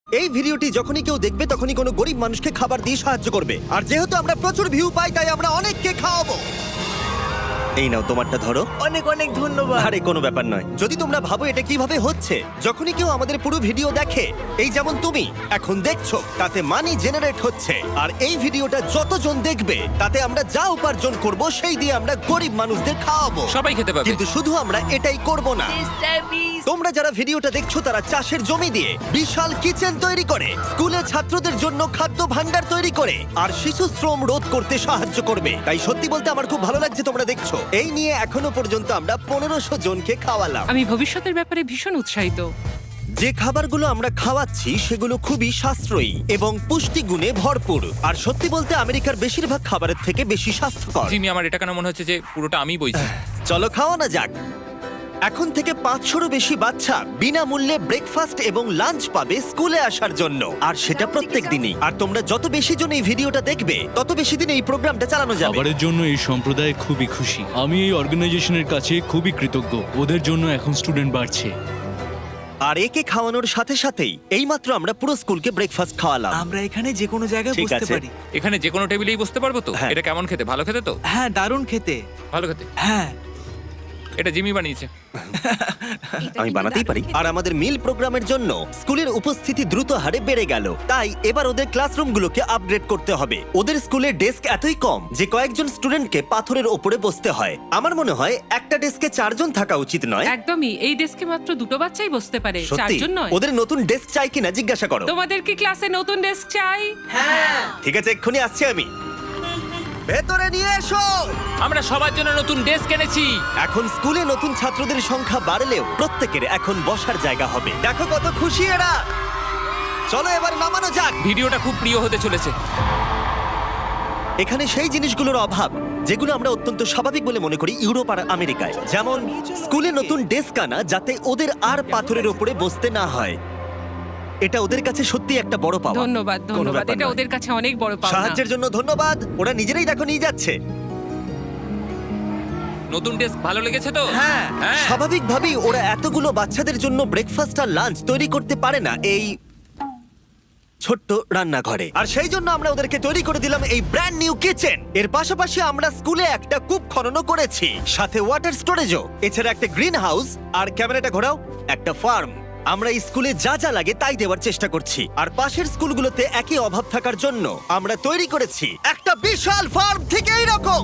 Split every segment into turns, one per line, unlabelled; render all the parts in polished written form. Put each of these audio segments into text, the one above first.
এই ভিডিওটি যখনই কেউ দেখবে তখনই কোনো গরিব মানুষকে খাবার দিয়ে সাহায্য করবে। আর যেহেতু আমরা প্রচুর ভিউ পাই তাই আমরা অনেককে খাওয়াবো। এই নাও তোমারটা ধরো।
অনেক অনেক ধন্যবাদ।
আরে কোনো ব্যাপার নয়। যদি তোমরা ভাবো এটা কিভাবে হচ্ছে, যখনই কেউ আমাদের পুরো ভিডিও দেখে, এই যেমন তুমি এখন দেখছো, তাতে মানি জেনারেট হচ্ছে। আর এই ভিডিওটা যতজন দেখবে তাতে আমরা যা উপার্জন করব সেই দিয়ে আমরা গরিব মানুষদের খাওয়াবো।
সবাই খেতে পাবে।
কিন্তু শুধু আমরা এটাই করব না। তোমরা যারা ভিডিওটা দেখছো তারা চাষের জমি দিয়ে বিশাল কিচেন তৈরি করে, স্কুলে ছাত্রদের জন্য খাদ্য ভাণ্ডার তৈরি করে, আর শিশু শ্রম রোধ করতে সাহায্য করবে। তাই সত্যি বলতে আমার খুব ভালো লাগছে তোমরা দেখছো। এই নিয়ে এখনো পর্যন্ত আমরা 1500 জনকে খাওয়ালাম।
আমি ভবিষ্যতের ব্যাপারে ভীষণ উৎসাহিত।
যে খাবারগুলো আমরা খাওয়াচ্ছি সেগুলো খুবই সাশ্রয়ী এবং পুষ্টিগুণে ভরপুর। আর সত্যি বলতে আমেরিকার বেশিরভাগ খাবারের থেকে বেশি স্বাস্থ্যকর।
জিমি, আমার এটা কেন মনে হচ্ছে যে পুরোটা আমিই বইছি।
চলো খাওয়ানো যাক। এখন থেকে 500-রও বেশি বাচ্চা বিনামূল্যে ব্রেকফাস্ট এবং লাঞ্চ পাবে স্কুলে আসার জন্য, আর সেটা প্রত্যেক দিনই। আর তোমরা যত বেশি জন এই ভিডিওটা দেখবে তত বেশি দিন এই প্রোগ্রামটা চালানো যাবে।
খাবারের জন্য এই সম্প্রদায় খুবই খুশি। আমি এই অর্গানাইজেশনের কাছে খুবই কৃতজ্ঞ। ওদের জন্য এখন স্টুডেন্ট বাড়ছে।
আর একে খাওয়ানোর সাথে সাথেই এইমাত্র আমরা পুরো স্কুলকে ব্রেকফাস্ট খাওয়ালাম।
আমরা এখানে যে কোনো জায়গায়
ঠিক
বসতে
আছে।
পারি।
এখানে যে কোনো টেবিলেই বসতে পারবো তো?
হ্যাঁ।
এটা কেমন খেতে? ভালো খেতে তো?
হ্যাঁ, দারুণ খেতে।
ভালো খেতে।
হ্যাঁ,
এটা জিমি বানিয়েছে।
আমি বানাতেই পারি। আর আমাদের মিল প্রোগ্রামের জন্য স্কুলের উপস্থিতি দ্রুত হারে বেড়ে গেল। তাই এবার ওদের ক্লাসরুমগুলোকে আপগ্রেড করতে হবে। ওদের স্কুলের ডেস্ক এতই কম যে কয়েকজন স্টুডেন্টকে পাথরের ওপরে বসতে হয়। আমার মনে হয় একটা ডেস্কে 4 জন থাকা উচিত নয়।
একদমই, এই ডেস্কে মাত্র 2টো বাচ্চাই বসতে পারে,
সত্যি
4 জন নয়।
ওদের নতুন ডেস্ক চাই কিনা জিজ্ঞাসা করো।
তোমাদের কি ক্লাসে নতুন ডেস্ক চাই?
ঠিক আছে, এক্ষুনি আসছি আমি। ভেতরে নিয়ে এসো।
আমরা সবার জন্য নতুন ডেস্ক এনেছি।
এখন স্কুলে নতুন ছাত্রদের সংখ্যা বাড়লেও প্রত্যেকের এখন বসার জায়গা হবে। দেখো কত খুশি এরা। চলো এবার নামানো যাক।
ভিডিওটা খুব প্রিয় হতে চলেছে।
এখানে সেই জিনিসগুলোর অভাব যেগুলো আমরা অত্যন্ত স্বাভাবিক বলে মনে করি ইউরোপ আর আমেরিকায়। যেমন স্কুলে নতুন ডেস্ক আনা যাতে ওদের আর পাথরের উপরে বসতে না হয়। এটা ওদের কাছে সত্যি একটা বড় পাওয়া।
ধন্যবাদ,
কোনো
ধন্যবাদ।
ব্যাপার
এটা
নয়।
ওদের কাছে অনেক বড় পাওনা।
সাহায্যের জন্য ধন্যবাদ। ওরা নিজেরাই দেখো নিয়ে যাচ্ছে।
নতুন ডেস্ক ভালো লেগেছে তো?
হ্যাঁ,
হ্যাঁ।
স্বাভাবিকভাবেই ওরা এতগুলো বাচ্চাদের জন্য ব্রেকফাস্ট আর লাঞ্চ তৈরি করতে পারে না এই ছোট্ট রান্নাঘরে। আর সেই জন্য আমরা ওদেরকে তৈরি করে দিলাম এই ব্র্যান্ড নিউ কিচেন। এর পাশাপাশি আমরা স্কুলে একটা কূপ খননও করেছি, সাথে ওয়াটার স্টোরেজও। এছাড়া একটা গ্রিন হাউস, আর ক্যামেরাটা ঘোরাও, একটা ফার্ম। আমরা এই স্কুলে যা যা লাগে তাই দেওয়ার চেষ্টা করছি। আর পাশের স্কুলগুলোতে একই অভাব থাকার জন্য আমরা তৈরি করেছি একটা বিশাল ফার্ম থেকে এইরকম।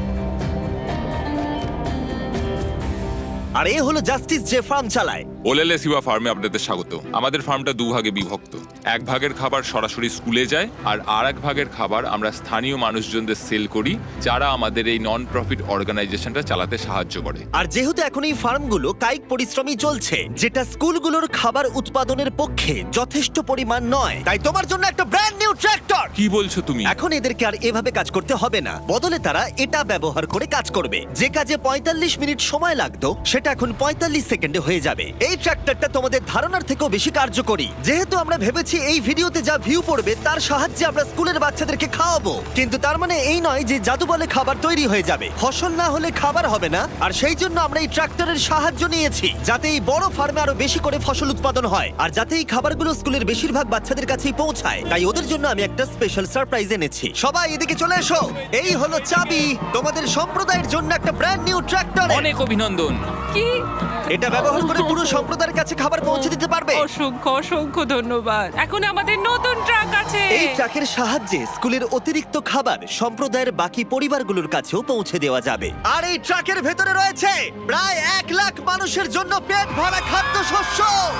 আর এ হলো জাস্টিস যে ফার্ম চালায়।
ওলেলে সিবা ফার্মে আপনাদের স্বাগত। আমাদের ফার্মটা 2 ভাগে বিভক্ত। এক ভাগের খাবার সরাসরি স্কুলে যায়, আর এক ভাগের খাবার আমরা স্থানীয় মানুষজনদের সেল করি, যারা আমাদের এই নন প্রফিট অর্গানাইজেশনটা চালাতে সাহায্য করে।
আর যেহেতু এখন এই ফার্মগুলো কায়িক পরিশ্রমই চলছে, যেটা স্কুলগুলোর খাবার উৎপাদনের পক্ষে যথেষ্ট পরিমাণ নয়, তাই তোমার জন্য একটা ব্র্যান্ড নিউ ট্র্যাক্টর।
কি বলছো তুমি?
এখন এদেরকে আর এভাবে কাজ করতে হবে না, বদলে তারা এটা ব্যবহার করে কাজ করবে। যে কাজে 45 মিনিট সময় লাগতো সেটা এখন 45 সেকেন্ডে হয়ে যাবে। এই ট্র্যাক্টরটা তোমাদের ধারণার থেকেও বেশি কার্যকরী। যেহেতু আমরা ভেবেছি এই ভিডিওতে যা ভিউ পড়বে তার সাহায্যে আমরা স্কুলের বাচ্চাদেরকে খাওয়াবো, কিন্তু তার মানে এই নয় যে জাদু বলে খাবার তৈরি হয়ে যাবে। ফসল না হলে খাবার হবে না। আর সেই জন্য আমরা এই ট্র্যাক্টরের সাহায্য নিয়েছি, যাতে এই বড় ফার্মে আরো বেশি করে ফসল উৎপাদন হয়, আর যাতে এই খাবারগুলো স্কুলের বেশিরভাগ বাচ্চাদের কাছেই পৌঁছায়। তাই ওদের জন্য আমি একটা স্পেশাল সারপ্রাইজ এনেছি। সবাই এদিকে চলে এসো। এই হলো চাবি তোমাদের সম্প্রদায়ের জন্য একটা ব্র্যান্ড নিউ ট্র্যাক্টর।
অনেক অভিনন্দন।
কি?
এটা ব্যবহার করে পুরো সম্প্রদায়ের কাছে খাবার পৌঁছে দিতে পারবে।
অসংখ্য অসংখ্য ধন্যবাদ। এখন আমাদের নতুন ট্রাক আছে।
এই ট্রাকের সাহায্যে স্কুলের অতিরিক্ত খাবার সম্প্রদায়ের বাকি পরিবারগুলোর কাছেও পৌঁছে দেওয়া যাবে। আর এই ট্রাকের ভেতরে রয়েছে প্রায় 1 লাখ মানুষের জন্য পেট ভরা খাদ্যশস্য।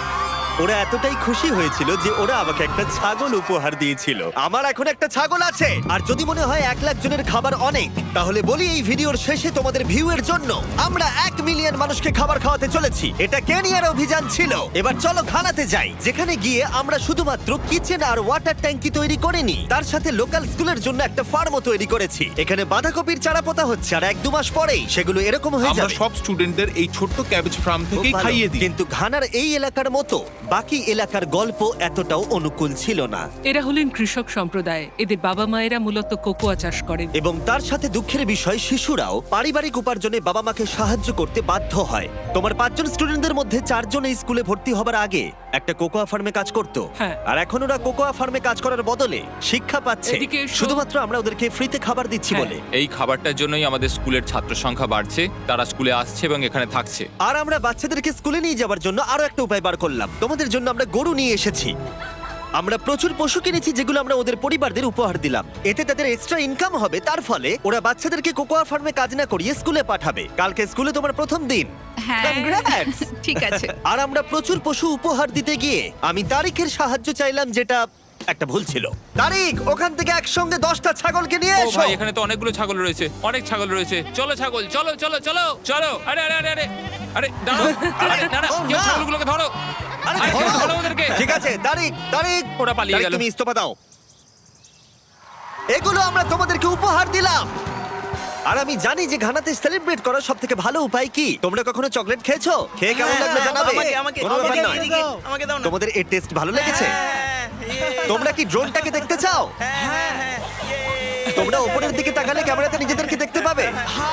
ওরা এতটাই খুশি হয়েছিল যে ওরা আমাকে একটা ছাগল উপহার দিয়েছিল। আমার এখন একটা ছাগল আছে। আর যদি মনে হয় 1 লাখ জনের খাবার অনেক, তাহলে বলি এই ভিডিওর শেষে তোমাদের ভিউ এর জন্য আমরা 1 মিলিয়ন মানুষকে খাবার খাওয়াতে চলেছি। এটা কেনিয়ার অভিযান ছিল। এবার চলো ঘানাতে যাই, যেখানে গিয়ে আমরা শুধুমাত্র কিচেন আর ওয়াটার ট্যাঙ্কি তৈরি করিনি, তার সাথে লোকাল স্কুলের জন্য একটা ফার্মও তৈরি করেছি। এখানে বাঁধাকপির চারা পোতা হচ্ছে, আর 1-2 মাস পরেই সেগুলো এরকম হয়ে
আমরা
যাবে।
সব স্টুডেন্টদের এই ছোট্ট ক্যাবেজ ফার্ম
খুব
থেকেই
ভালো।
খাইয়ে দিই।
কিন্তু ঘানার এই এলাকার মতো বাকি এলাকার গল্প এতটাও অনুকূল ছিল না।
এরা হলেন কৃষক সম্প্রদায়। এদের বাবা মায়েরা মূলত কোকোয়া চাষ করেন।
এবং তার সাথে দুঃখের বিষয়, শিশুরাও পারিবারিক উপার্জনে বাবা মাকে সাহায্য করতে বাধ্য হয়। তোমার 5 জন স্টুডেন্টদের মধ্যে 4 জন এই স্কুলে ভর্তি হবার আগে একটা কোকোয়া ফার্মে কাজ করতো
হ্যাঁ।
আর এখন ওরা কোকোয়া ফার্মে কাজ করার বদলে শিক্ষা পাচ্ছে
এদিকে এসো।
শুধুমাত্র আমরা ওদেরকে ফ্রিতে খাবার দিচ্ছি
হ্যাঁ।
মানে
বলে।
এই খাবারটার জন্যই আমাদের স্কুলের ছাত্র সংখ্যা বাড়ছে, তারা স্কুলে আসছে এবং এখানে থাকছে।
আর আমরা বাচ্চাদেরকে স্কুলে নিয়ে যাওয়ার জন্য আরো একটা উপায় বার করলাম। তোমাদের জন্য আমরা গরু নিয়ে এসেছি। আমরা প্রচুর পশু কিনেছি যেগুলো আমরা ওদের পরিবারদের উপহার দিলাম। এতে তাদের এক্সট্রা ইনকাম হবে, তার ফলে ওরা বাচ্চাদেরকে কোকোয়া ফার্মে কাজ না করিয়ে স্কুলে পাঠাবে। কালকে স্কুলে তোমার প্রথম দিন।
হ্যাঁ
Congrats!
ঠিক আছে।
আর আমরা প্রচুর পশু উপহার দিতে গিয়ে আমি তারিখের সাহায্য চাইলাম, যেটা একটা ভুল ছিল। তারিখ, ওখান থেকে একসঙ্গে 10টা ছাগলকে নিয়ে
ও
এসো।
ভাই, এখানে তো অনেকগুলো ছাগল রয়েছে, অনেক ছাগল রয়েছে। চলো ছাগল, চলো চলো চলো চলো। আরে আরে আরে আরে আরে দাঁড়াও, আরে দাঁড়াও,
ও
কেউ
না।
ছাগলগুলোকে ধরো।
আরে
আরে
ধরো।
ধরো ওদেরকে।
ঠিক আছে, তারিখ তারিখ
ওরা পালিয়ে
তারিখ,
গেল।
তুমি ইস্তফা দাও। এগুলো আমরা তোমাদেরকে উপহার দিলাম। আর আমি জানি যে ঘানাতে সেলিব্রেট করার সব থেকে ভালো উপায় কি। তোমরা কখনো চকলেট খেয়েছো? খেয়ে কেমন লাগলো জানাবে। কোনো ব্যাপার নয়।
আমাকে দাও না।
তোমাদের এর টেস্ট ভালো লেগেছে?
হ্যাঁ,
তোমরা কি ড্রোনটাকে দেখতে চাও? তোমরা উপরের দিকে তাকালে ক্যামেরাতে নিজেদেরকে দেখতে পাবে।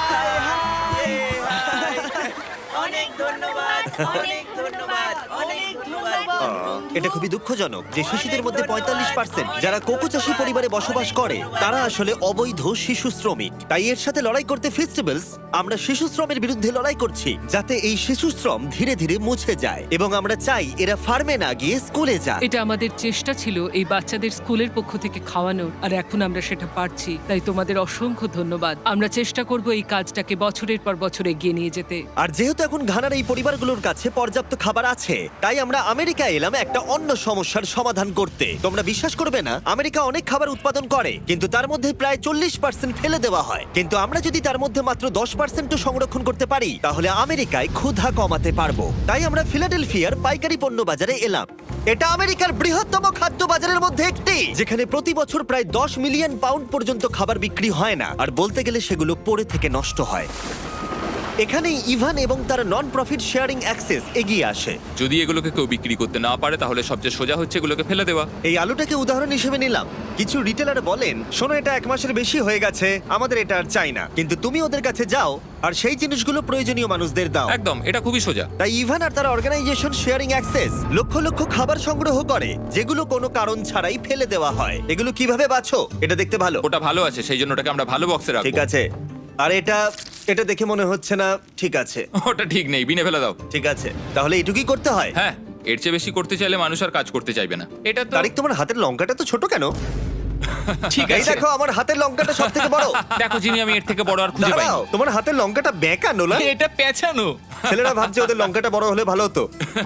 অনেক ধন্যবাদ, অনেক ধন্যবাদ, অনেক ধন্যবাদ।
এটা খুবই দুঃখজনক যে শিশুদের মধ্যে 45% যারা কোকো চাষী পরিবারে বসবাস করে তারা আসলে অবৈধ শিশু শ্রমিক। তাই এর সাথে লড়াই করতে ফেস্টিভ্যালস আমরা শিশু শ্রমের বিরুদ্ধে লড়াই করছি, যাতে এই শিশু শ্রম ধীরে ধীরে মুছে যায়। এবং আমরা চাই এরা ফার্মে না গিয়ে স্কুলে যায়।
এটা আমাদের চেষ্টা ছিল এই বাচ্চাদের স্কুলের পক্ষ থেকে খাওয়ানোর, আর এখন আমরা সেটা পারছি। তাই তোমাদের অসংখ্য ধন্যবাদ। আমরা চেষ্টা করব এই কাজটাকে বছরের পর বছর এগিয়ে নিয়ে যেতে।
আর যেহেতু এখন ঘানার এই পরিবারগুলোর কাছে পর্যাপ্ত খাবার আছে, তাই আমরা আমেরিকায় এলাম একটা অন্য সমস্যার সমাধান করতে। তোমরা বিশ্বাস করবে না, আমেরিকা অনেক খাবার উৎপাদন করে, কিন্তু তার মধ্যে প্রায় 40% ফেলে দেওয়া হয়। কিন্তু আমরা যদি তার মধ্যে মাত্র 10% সংরক্ষণ করতে পারি, তাহলে আমেরিকায় ক্ষুধা কমাতে পারবো। তাই আমরা ফিলাডেলফিয়ার পাইকারি পণ্য বাজারে এলাম। এটা আমেরিকার বৃহত্তম খাদ্য বাজারের মধ্যে একটি, যেখানে প্রতি বছর প্রায় 10 মিলিয়ন পাউন্ড পর্যন্ত খাবার বিক্রি হয় না, আর বলতে গেলে সেগুলো পড়ে থেকে নষ্ট হয়। এখানেই ইভান এবং তার নন প্রফিট শেয়ারিং অ্যাক্সেস এগিয়ে আসে।
যদি এগুলোকে কেউ বিক্রি করতে না পারে, তাহলে সবচেয়ে সোজা হচ্ছে এগুলোকে ফেলে দেওয়া।
এই আলুটাকে উদাহরণ হিসেবে নিলাম। কিছু রিটেলার বলেন, শোনো এটা 1 মাসের বেশি হয়ে গেছে, আমাদের এটা আর চাই না। কিন্তু তুমি ওদের কাছে যাও আর সেই জিনিসগুলো প্রয়োজনীয় মানুষদের দাও।
একদম, এটা খুবই সোজা।
তাই ইভান আর তার অর্গানাইজেশন শেয়ারিং অ্যাক্সেস লক্ষ লক্ষ খাবার সংগ্রহ করে, যেগুলো কোনো কারণ ছাড়াই ফেলে দেওয়া হয়। এগুলো কিভাবে বাছো? এটা দেখতে ভালো।
ওটা ভালো আছে, সেই জন্য ওটাকে আমরা ভালো বক্সে রাখবো।
ঠিক আছে। আর এটা এটা দেখে মনে হচ্ছে না ঠিক আছে।
ওটা ঠিক নেই, বিনে ফেলে দাও।
ঠিক আছে, তাহলে এটুকুই করতে হয়।
হ্যাঁ, এর চেয়ে বেশি করতে চাইলে মানুষ আর কাজ করতে চাইবে না। এটা তো
তারিক, তোমার হাতের লঙ্কাটা তো ছোট কেন?
ঠিক
এই
আছে।
দেখো, আমার হাতের লঙ্কাটা সব থেকে বড়।
দেখো জিমি, আমি এর থেকে বড় আর খুঁজে পাই।
দাঁড়াও, তোমার হাতের লঙ্কাটা বেঁকানো না?
এটা পেঁচানো।
ছেলেরা ভাবছে ওদের লঙ্কাটা বড় হলে ভালো হতো।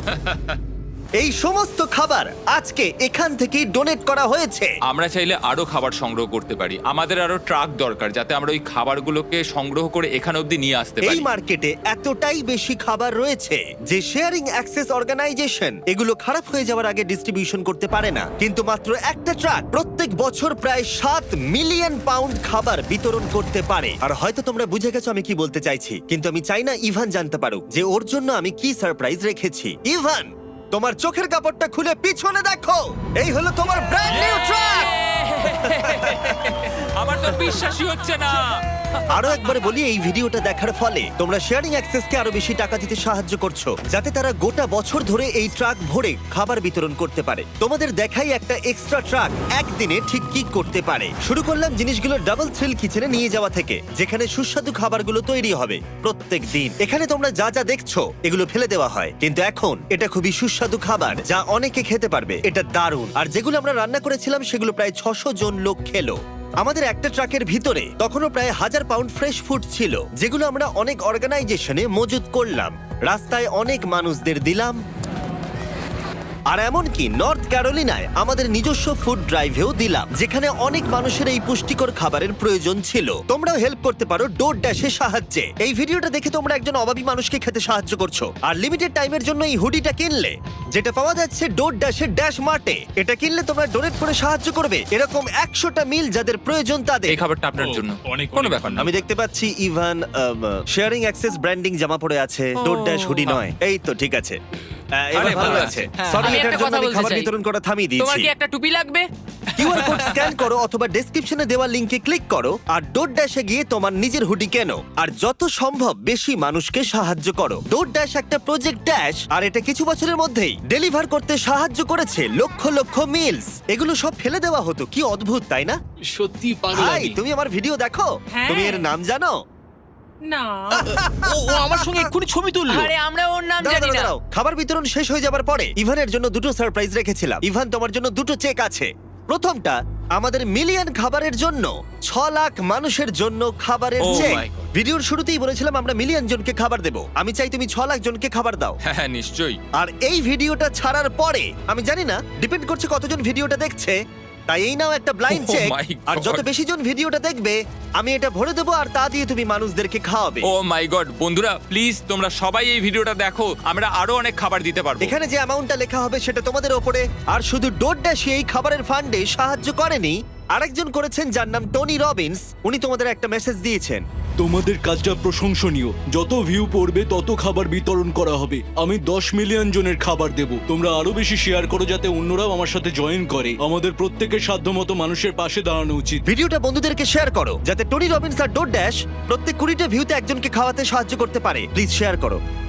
এই সমস্ত খাবার আজকে এখান থেকেই ডোনেট করা হয়েছে।
আমরা চাইলে আরো খাবার সংগ্রহ করতে পারি। আমাদের আরো ট্রাক দরকার, যাতে আমরা ওই খাবারগুলোকে সংগ্রহ করে এখানে অবধি নিয়ে আসতে
এই
পারি।
মার্কেটে এতটাই বেশি খাবার রয়েছে যে শেয়ারিং অ্যাক্সেস অর্গানাইজেশন এগুলো খারাপ হয়ে যাওয়ার আগে ডিস্ট্রিবিউশন করতে পারে না। কিন্তু মাত্র একটা ট্রাক প্রত্যেক বছর প্রায় 7 মিলিয়ন পাউন্ড খাবার বিতরণ করতে পারে। আর হয়তো তোমরা বুঝে গেছো আমি কি বলতে চাইছি, কিন্তু আমি চাই না ইভান জানতে পারুক যে ওর জন্য আমি কি সারপ্রাইজ রেখেছি। ইভান, তোমার চোখের কাপড়টা খুলে পিছনে দেখো। এই হলো তোমার ব্র্যান্ড নিউ ট্রাক।
আমার তো বিশ্বাসই হচ্ছে না।
আরো একবার বলি, এই ভিডিওটা দেখার ফলে তোমরা শেয়ারিং অ্যাক্সেসকে আরো বেশি টাকা দিতে সাহায্য করছো, যাতে তারা গোটা বছর ধরে এই ট্রাক ভরে খাবার বিতরণ করতে পারে। তোমাদের দেখাই একটা এক্সট্রা ট্রাক একদিনে ঠিক কি করতে পারে। শুরু করলাম জিনিসগুলো ডাবল থ্রিল কিচেনে নিয়ে যাওয়া থেকে, যেখানে সুস্বাদু খাবারগুলো তৈরি হবে প্রত্যেক দিন। এখানে তোমরা যা যা দেখছো এগুলো ফেলে দেওয়া হয়, কিন্তু এখন এটা খুবই সুস্বাদু খাবার যা অনেকে খেতে পারবে। এটা দারুণ। আর যেগুলো আমরা রান্না করেছিলাম সেগুলো প্রায় 600 জন লোক খেলো। আমাদের একটা ট্রাকের ভিতরে তখনও প্রায় 1000 পাউন্ড ফ্রেশ ফুড ছিল, যেগুলো আমরা অনেক অর্গানাইজেশনে মজুত করলাম, রাস্তায় অনেক মানুষদের দিলাম। আর এমনকি নর্থ ক্যারোলিনায় আমাদের নিজস্ব ফুড ড্রাইভেও দিলাম, যেখানে অনেক মানুষের এই পুষ্টিকর খাবারের প্রয়োজন ছিল। তোমরাও হেল্প করতে পারো ডোর ড্যাশের সাহায্যে। এই ভিডিওটা দেখে তোমরা একজন অভাবী মানুষকে খেতে সাহায্য করছো। আর লিমিটেড টাইমের জন্য এই হুডিটা কিনলে, যেটা পাওয়া যাচ্ছে ডোর ড্যাশের ড্যাশ মার্টে, এটা কিনলে তোমরা ডোনেট করে সাহায্য করবে এরকম 100টা মিল যাদের প্রয়োজন তাদের।
এই খাবারটা আপনার জন্য।
অনেক
কোনো ব্যাপার না।
আমি দেখতে পাচ্ছি ইভান শেয়ারিং অ্যাক্সেস ব্র্যান্ডিং জামা পরে আছে, ডোর ড্যাশ হুডি নয়। এই তো ঠিক আছে, এবার
আরে,
ভালো
ভালো
লাগছে।
আছে।
সরি,
আমি
এটার
একটা
জন্য
কথা
আমি
বলতে
খাবার
চাই।
বিতরণ করা থামিয়ে
তোমার
দিয়েছি।
কি একটা টুপি লাগবে?
কিউআর কোড স্ক্যান করো অথবা ডেসক্রিপশনে দেওয়া লিংকে ক্লিক করো আর ডোরড্যাশে গিয়ে তোমার নিজের হুডি কেনো আর যত সম্ভব বেশি মানুষকে সাহায্য করো। ডোরড্যাশ একটা প্রজেক্ট ড্যাশ আর এটা কিছু বছরের মধ্যেই ডেলিভার করতে সাহায্য করেছে লক্ষ লক্ষ মিলস। এগুলো সব ফেলে দেওয়া হতো, কি অদ্ভুত তাই না?
সত্যি পাগল
ভাই তুমি আমার ভিডিও দেখো,
হ্যাঁ।
তুমি এর নাম জানো?
না
ও আমার সঙ্গে এক্ষুনি ছবি তুললো।
আরে আমরা ওর নাম
দাঁড়াও,
জানি না।
দাঁড়াও, খাবার বিতরণ শেষ হয়ে যাবার পরে ইভানের জন্য দুটো সারপ্রাইজ রেখেছিলাম। ইভান, তোমার জন্য দুটো চেক আছে। প্রথমটা আমাদের মিলিয়ন খাবারের জন্য 6 লাখ মানুষের জন্য খাবারের
Oh
চেক।
my God.
ভিডিওর শুরুতেই বলেছিলাম আমরা মিলিয়ন জনকে খাবার দেব। আমি চাই তুমি 6 লাখ জনকে খাবার দাও।
হ্যাঁ হ্যাঁ নিশ্চয়ই।
আর এই ভিডিওটা ছাড়ার পরে আমি জানি না, ডিপেন্ড করছে কতজন ভিডিওটা দেখছে, তাই এই নাও একটা ব্লাইন্ড
Oh
চেক।
my
আর যত
God.
বেশি জন ভিডিওটা দেখবে আমি এটা ভরে দেবো আর তা দিয়ে তুমি মানুষদেরকে খাওয়াবে।
ও মাই গড, বন্ধুরা প্লিজ তোমরা সবাই এই ভিডিওটা দেখো, আমরা আরো অনেক খাবার দিতে পারবো।
এখানে যে অ্যামাউন্টটা লেখা হবে সেটা তোমাদের ওপরে। আর শুধু ডোরড্যাশই এই খাবারের ফান্ডে সাহায্য করেনি, আরেকজন করেছেন যার নাম টনি রবিন্স। উনি তোমাদের একটা মেসেজ দিয়েছেন।
তোমাদের কাজটা প্রশংসনীয়। যত ভিউ পড়বে তত খাবার বিতরণ করা হবে। আমি 10 মিলিয়ন জনের খাবার দেব। তোমরা আরো বেশি শেয়ার করো যাতে অন্যরাও আমার সাথে জয়েন করে। আমাদের প্রত্যেকের সাধ্যমতো মানুষের পাশে দাঁড়ানো উচিত।
ভিডিওটা বন্ধুদেরকে শেয়ার করো যাতে টনি রবিন্স আর ডোরড্যাশ প্রত্যেক 20টা ভিউতে একজনকে খাওয়াতে সাহায্য করতে পারে। প্লিজ শেয়ার করো।